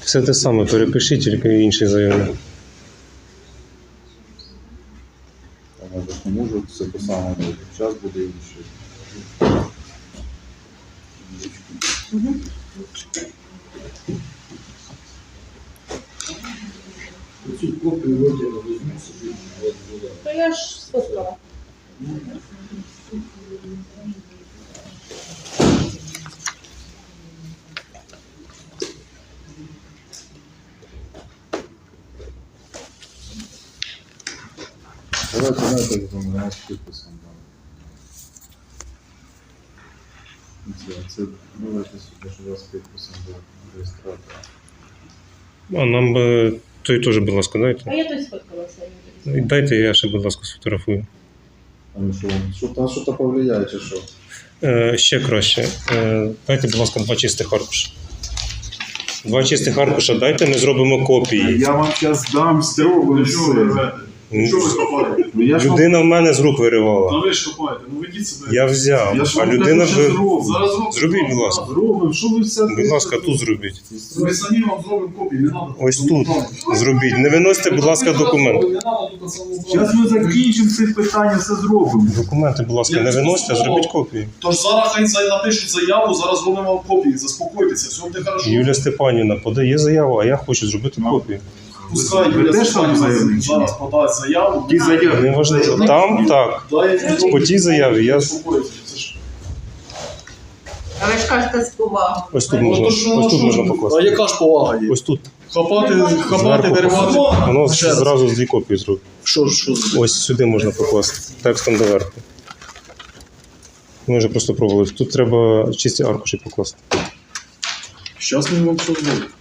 Все те саме, перепишіть, тільки інший заявник. Я ж не можу все те саме робити. Час буде інший. Цю копію ордера візьму собі. То я ж сфоткала. Давайте, знаєте, замовляємо з підписом. Це давайте сюди, що у вас з підписом до реєстратора. А нам би той теж, будь ласка, А дайте. я той сфоткалася. І дайте, я ще, будь ласка, сфотографую. А ну що-то повлияє, чи що? Ще краще. Дайте, будь ласка, 2 чистих аркуша. 2 чистих аркуша дайте, ми зробимо копії. Я вам зараз дам зробимо все. Що ви копаєте? Ну, я ж вам- Людина в мене з рук виривала. Та ви ж копаєте, ну ведіть себе. Я взяв, Я ж а вам людина кажу, що ви... зроблю. Зараз зробимо. Зробіть, будь ласка. Зробимо, що ви все... Будь ласка, тут зробіть. Ми самі вам зробимо копії, не треба. Ось тут зробіть. Не виносьте, будь ласка, документ. Не треба тут на самому Зараз ми закінчимо ці питання, все зробимо. Документи, будь ласка, не виносьте, а зробіть копії. Тож зараз хай напишуть заяву, зараз зробимо вам копії, заспокойтеся, все буде хорошо. Юлія Степанівна подає заяву, а я хочу зробити копію. Пускай Ви Юлія теж там Степанівна заявник, чи зараз подасть заяву. Ті заяви. Неважливо. Там так. По тій заяві я... А ви ж кажете з повагою. Ось тут можна, ось тут можна А покласти. яка ж повага є? Ось тут. Хапати, Зверху. виривати. Воно Ще раз. зразу 2 копії зробить. Що? Ось сюди можна покласти. Текстом доверху. Ми вже просто пробували. Тут треба чисті аркуші покласти. Зараз ми вам все зробимо.